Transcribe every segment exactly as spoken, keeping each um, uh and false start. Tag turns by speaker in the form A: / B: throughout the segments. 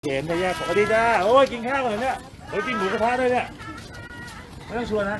A: เห็นไปแยกสวัสดีจ้าโอ้ยกินข้าวกันเนี่ยโอ้ยกินหมูกระทะด้วยเนี่ยไม่ต้องชวนนะ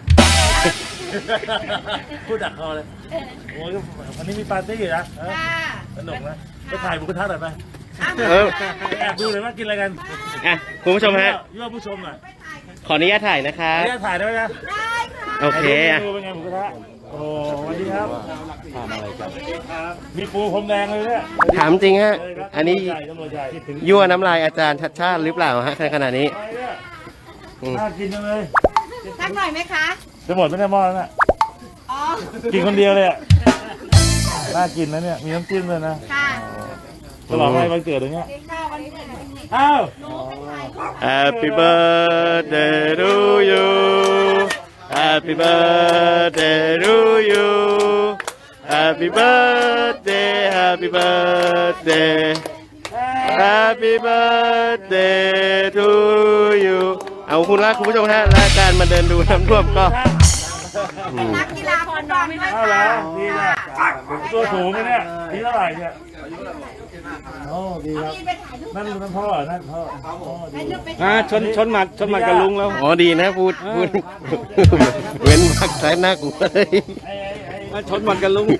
A: พูดดักคอเลยโอ้ยวันนี้มีปาร์ตี้อยู่นะสนุกนะไปถ่ายหมูกระทะหน่อยไปแอบดูเลยว่ากินอะไรกัน
B: อ่ะคุณผู้ชมฮะ
A: ยั่วผู้ชมหน่อย
B: ขออนุญาตถ่ายนะคะ
A: อนุญาตถ่ายได้ไหมนะ
C: ได้ค่ะ
B: โอเคอ่ะ
A: ดูเป็นไงหมูกระทะโอ้สวัสดีครับทำอะไรกันมีปูพรมแดงเลยเนี่ย
B: ถามจริงฮะอันนี้
A: ตำรวจใหญ่
B: ยั่วน้ำลายอาจารย์ชัดชาติหรือเปล่าฮะขนาดนี้
A: น่ากินจังเลย
C: สักหน่อยไหมคะ
A: จะหมดไม่ได้หม้อแล้วนะ
C: อ๋อ
A: กินคนเดียวเลยอ่ะน่ากินนะเนี่ยมีน้ำจิ้มเลยนะ
C: ค่ะ
A: ตลอดไปวันเกิดอย่างเงี้ยอ้าว
B: Happy birthday to you Happy birthday to you Happy birthday Happy birthday Happy birthday to you เอาคุณละคุณผู้ชมฮะรายการมาเดินดูน้ำท่วมก็
C: นักกีฬาคนน้องด้วย
A: เอาแล้วดีนะตัวสูงเนี่ยนี่เท่าไหร่เนี่ยโอ้ดีครับนั่นนั่นพ่อนั่นพ่อ
D: อ่าชนชนหมัดชนหมัดกับลุงแล้ว
B: อ๋อดีนะพูดพูดเว้นวักสายหน้ากูเลย
D: ชนหมัดกับลุง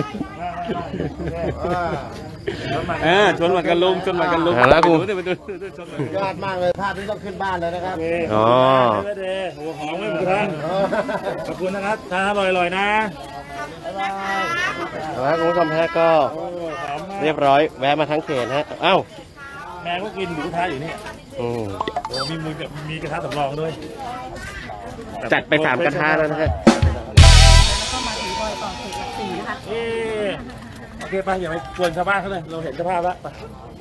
D: เออชนหมัดกับลุงชนหมัดกับลุง
B: แล้วกู
E: ยอดมากเลยภาพนี้ต้องขึ้นบ้านเลยนะครับ
A: อ๋อหัวหอมไม่หมดท่านขอบคุณนะครับทานอร่อยๆนะ
B: แล้วคุณผู้ชมฮะก็เรียบร้อยแวะมาทั้งเขตฮะเอ้า
A: แม่ก็กินหมูกระทะอยู่นี่
B: อืม
A: โอ้มีมือกับมีกระทะสำรองด้วย
B: จัดไปสามกระทะแล้วนะฮะ
C: แล้วก็มาถือบอยต่อเขตหลักสี่นะคะ
A: โอเคไปอย่าไปกวนชาวบ้านเขาเลยเราเห็นสภาพแล้ว